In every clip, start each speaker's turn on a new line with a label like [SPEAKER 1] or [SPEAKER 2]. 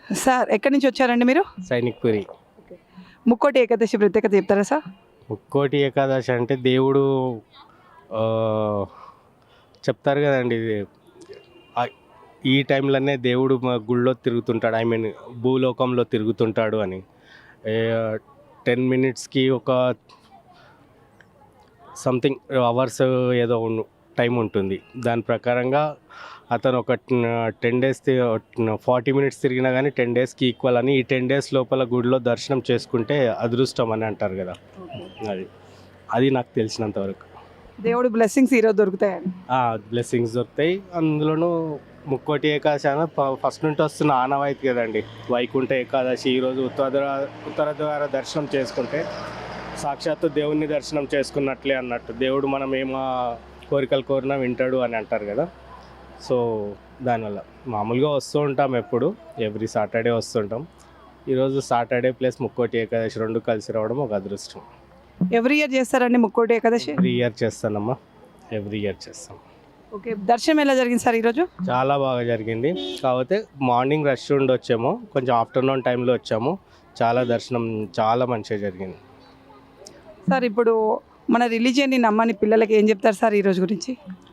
[SPEAKER 1] Sir ఎక్కడి నుంచి వచ్చారండి మీరు?
[SPEAKER 2] సైనిక్పురి.
[SPEAKER 1] ముక్కోటి ఏకాదశి ప్రత్యేకత చెప్తారా సార్?
[SPEAKER 2] ముక్కోటి ఏకాదశి అంటే దేవుడు ఆ, చెప్తారు కదండి ఇది ఆ, ఈ టైంలోనే దేవుడు మా గుళ్ళో తిరుగుతుంటాడు, ఐ మీన్ భూలోకంలో తిరుగుతుంటాడు అని. 10 మినిట్స్కి ఒక సంథింగ్ అవర్స్ ఏదో టైం ఉంటుంది. దాని ప్రకారంగా అతను ఒక 10 డేస్ 40 మినిట్స్ తిరిగినా కానీ 10 డేస్కి ఈక్వల్ అని, ఈ 10 డేస్ లోపల గుడిలో దర్శనం చేసుకుంటే అదృష్టం అని అంటారు కదా. అది నాకు తెలిసినంతవరకు.
[SPEAKER 1] దేవుడి బ్లెస్సింగ్స్ ఈరోజు దొరుకుతాయండి.
[SPEAKER 2] బ్లెస్సింగ్స్ దొరుకుతాయి. అందులోనూ ముక్కోటి ఏకాదశి అని ఫస్ట్ నుండి వస్తున్న ఆనవాయితీ కదండి. వైకుంఠ ఏకాదశి ఈరోజు ఉత్తర ద్వార దర్శనం చేసుకుంటే సాక్షాత్తు దేవుణ్ణి దర్శనం చేసుకున్నట్లే అన్నట్టు. దేవుడు మనం ఏమో కోరికలు కోరినా వింటాడు అని అంటారు కదా. సో దానివల్ల మామూలుగా వస్తూ ఉంటాం, ఎవ్రీ సాటర్డే వస్తుంటాం. ఈరోజు సాటర్డే ప్లస్ ముక్కోటి ఏకాదశి రెండు కలిసి రావడం ఒక అదృష్టం.
[SPEAKER 1] ఎవ్రీ ఇయర్ చేస్తారండి ముక్కోటి ఏకాదశి?
[SPEAKER 2] ఎవ్రీ ఇయర్ చేస్తానమ్మా, ఎవ్రీ ఇయర్ చేస్తాం.
[SPEAKER 1] ఓకే, దర్శనం ఎలా జరిగింది సార్ ఈరోజు?
[SPEAKER 2] చాలా బాగా జరిగింది. కాకపోతే మార్నింగ్ రష్ ఉండి వచ్చాము, కొంచెం ఆఫ్టర్నూన్ టైంలో వచ్చాము. దర్శనం చాలా మంచిగా జరిగింది.
[SPEAKER 1] సార్ ఇప్పుడు మన రిలీజియన్ని నమ్మని పిల్లలకి ఏం చెప్తారు సార్ ఈరోజు గురించి?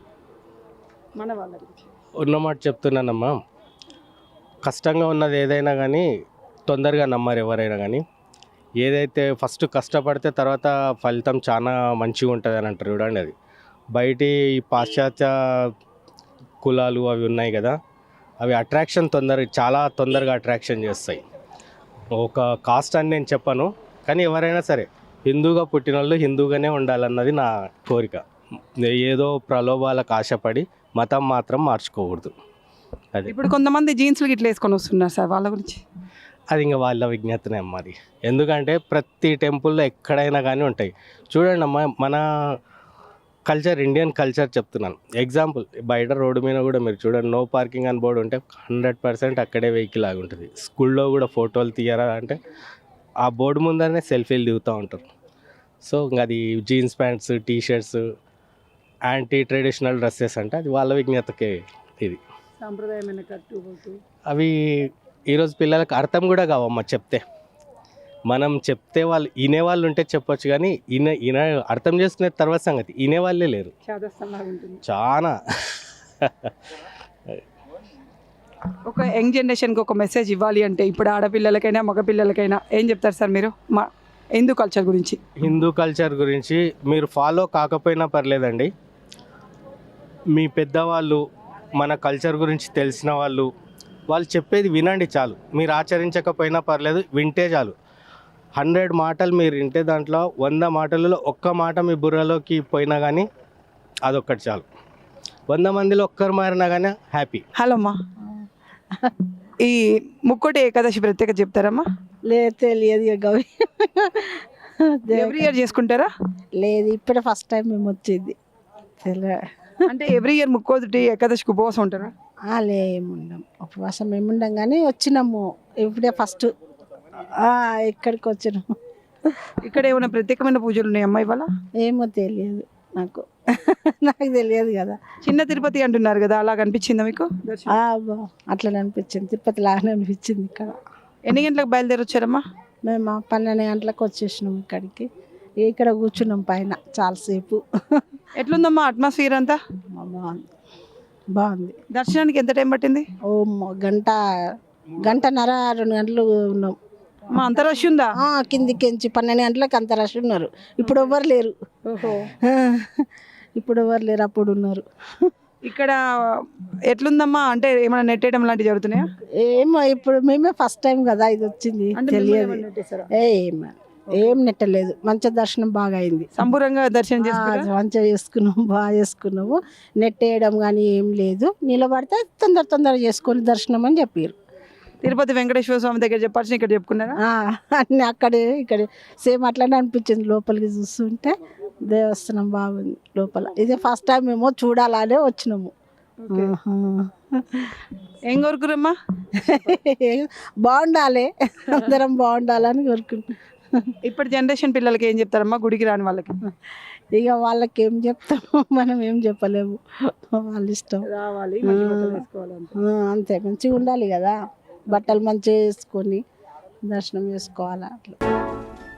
[SPEAKER 1] మన వాళ్ళ గురించి
[SPEAKER 2] ఉన్నమాట చెప్తున్నానమ్మా, కష్టంగా ఉన్నది ఏదైనా కానీ తొందరగా నమ్మరు ఎవరైనా కానీ. ఏదైతే ఫస్ట్ కష్టపడితే తర్వాత ఫలితం చాలా మంచిగా ఉంటుంది అని అంటారు చూడండి. అది బయటి పాశ్చాత్య కులాలు అవి ఉన్నాయి కదా, అవి అట్రాక్షన్ చాలా తొందరగా అట్రాక్షన్ చేస్తాయి. ఒక కాస్ట్ అని నేను చెప్పను, కానీ ఎవరైనా సరే హిందూగా పుట్టిన వాళ్ళు హిందూగానే ఉండాలన్నది నా కోరిక. ఏదో ప్రలోభాలకు ఆశపడి మతం మాత్రం మార్చుకోకూడదు. అది
[SPEAKER 1] ఇప్పుడు కొంతమంది జీన్స్లు ఇట్లా వేసుకొని వస్తున్నారు సార్, వాళ్ళ గురించి?
[SPEAKER 2] అది ఇంకా వాళ్ళ విజ్ఞతనే అమ్మ అది. ఎందుకంటే ప్రతి టెంపుల్లో ఎక్కడైనా కానీ ఉంటాయి. చూడండి అమ్మ, మన కల్చర్, ఇండియన్ కల్చర్ చెప్తున్నాను. ఎగ్జాంపుల్, బయట రోడ్డు మీద కూడా మీరు చూడండి, నో పార్కింగ్ అని బోర్డు ఉంటే 100% అక్కడే వెహికల్ ఆగి ఉంటుంది. స్కూల్లో కూడా ఫోటోలు తీయరా అంటే ఆ బోర్డు ముందరనే సెల్ఫీలు దిగుతూ ఉంటారు. సో ఇంకా అది jeans pants, T shirts, anti traditional dresses అంటే అది వాళ్ళ విజ్ఞతకే. ఇది
[SPEAKER 1] సాంప్రదాయమైన
[SPEAKER 2] అవి ఈరోజు పిల్లలకు అర్థం కూడా కావమ్మా చెప్తే. మనం చెప్తే వాళ్ళు వినేవాళ్ళు ఉంటే చెప్పొచ్చు, కానీ అర్థం చేసుకునే తర్వాత సంగతి వినేవాళ్ళే లేరు చాలా.
[SPEAKER 1] ఒక యంగ్ జనరేషన్కి ఒక మెసేజ్ ఇవ్వాలి అంటే ఇప్పుడు ఆడపిల్లలకైనా మగపిల్లలకైనా ఏం చెప్తారు సార్ మీరు మా హిందూ కల్చర్ గురించి?
[SPEAKER 2] హిందూ కల్చర్ గురించి మీరు ఫాలో కాకపోయినా పర్లేదండి. మీ పెద్దవాళ్ళు, మన కల్చర్ గురించి తెలిసిన వాళ్ళు చెప్పేది వినండి చాలు. మీరు ఆచరించకపోయినా పర్లేదు, వింటే చాలు. 100 మాటలు మీరు వింటే దాంట్లో 100 మాటలలో ఒక్క మాట మీ బుర్రలోకి పోయినా కానీ అదొక్కటి చాలు. 100 మందిలో ఒక్కరు మారినా కానీ హ్యాపీ.
[SPEAKER 1] హలో అమ్మా, ఈ ముక్కోటి ఏకాదశి ప్రత్యేకత చెప్తారమ్మా?
[SPEAKER 3] లేదు, తెలియదు.
[SPEAKER 1] ఎవ్రీ ఇయర్ చేసుకుంటారా?
[SPEAKER 3] లేదు, ఇప్పుడే ఫస్ట్ టైం మేము వచ్చింది.
[SPEAKER 1] అంటే ఎవ్రీ ఇయర్ ముక్కోటి ఏకాదశికి ఉపవాసం ఉంటారా?
[SPEAKER 3] ఏముండం, ఉపవాసం ఏముండం కానీ వచ్చినాము ఇప్పుడే ఫస్ట్. ఇక్కడికి వచ్చినాము.
[SPEAKER 1] ఇక్కడ ఏమైనా ప్రత్యేకమైన పూజలు ఉన్నాయమ్మా ఇవాళ?
[SPEAKER 3] ఏమో తెలియదు నాకు. నాకు తెలియదు కదా.
[SPEAKER 1] చిన్న తిరుపతి అంటున్నారు కదా, అలా అనిపించిందా మీకు?
[SPEAKER 3] అట్లా అనిపించింది, తిరుపతి లాగానే అనిపించింది. ఇక్కడ
[SPEAKER 1] ఎన్ని గంటలకు బయలుదేరి వచ్చారమ్మా?
[SPEAKER 3] మేము 12 గంటలకు వచ్చేసినాం ఇక్కడికి. ఇక్కడ కూర్చున్నాం పైన చాలాసేపు.
[SPEAKER 1] ఎట్లుందమ్మా అట్మాస్ఫియర్ అంతా?
[SPEAKER 3] బాగుంది.
[SPEAKER 1] దర్శనానికి ఎంత టైం పట్టింది?
[SPEAKER 3] గంటన్నర 2 గంటలు ఉన్నాం.
[SPEAKER 1] అంత రష్ ఉందా?
[SPEAKER 3] కిందికించి 12 గంటలకు అంత రష్ ఉన్నారు. ఇప్పుడు ఎవరు లేరు. అప్పుడు ఉన్నారు.
[SPEAKER 1] ఇక్కడ ఎట్లుందమ్మా, అంటే ఏమైనా నెట్టేయడం లాంటివి జరుగుతున్నాయా?
[SPEAKER 3] ఏమో, ఇప్పుడు మేమే ఫస్ట్ టైం కదా ఇది వచ్చింది, తెలియదు. ఏం నెట్టలేదు. మంచి దర్శనం బాగా అయింది.
[SPEAKER 1] సంపూర్ణంగా దర్శనం
[SPEAKER 3] మంచిగా చేసుకున్నాము, బాగా చేసుకున్నాము. నెట్టేయడం కానీ ఏం లేదు. నిలబడితే తొందర చేసుకొని దర్శనం అని చెప్పారు.
[SPEAKER 1] తిరుపతి వెంకటేశ్వర స్వామి దగ్గర చెప్పాల్సిన ఇక్కడ చెప్పుకున్నారా?
[SPEAKER 3] అన్నీ ఇక్కడ సేమ్ అట్లనే అనిపించింది. లోపలికి చూస్తుంటే దేవస్థానం బాగుంది లోపల. ఇదే ఫస్ట్ టైం మేము చూడాలనే వచ్చినాము.
[SPEAKER 1] ఏం కోరుకురమ్మా?
[SPEAKER 3] బాగుండాలి, అందరం బాగుండాలని కోరుకుంటున్నాం.
[SPEAKER 1] ఇప్పటి జనరేషన్ పిల్లలకి ఏం చెప్తారమ్మా, గుడికి రాని వాళ్ళకి?
[SPEAKER 3] ఇక వాళ్ళకి ఏం చెప్తాము, మనం ఏం చెప్పలేము. వాళ్ళ ఇష్టం.
[SPEAKER 1] రావాలి,
[SPEAKER 3] అంతే, మంచిగా ఉండాలి కదా. బట్టలు మంచిగా వేసుకొని దర్శనం చేసుకోవాలి అట్లా.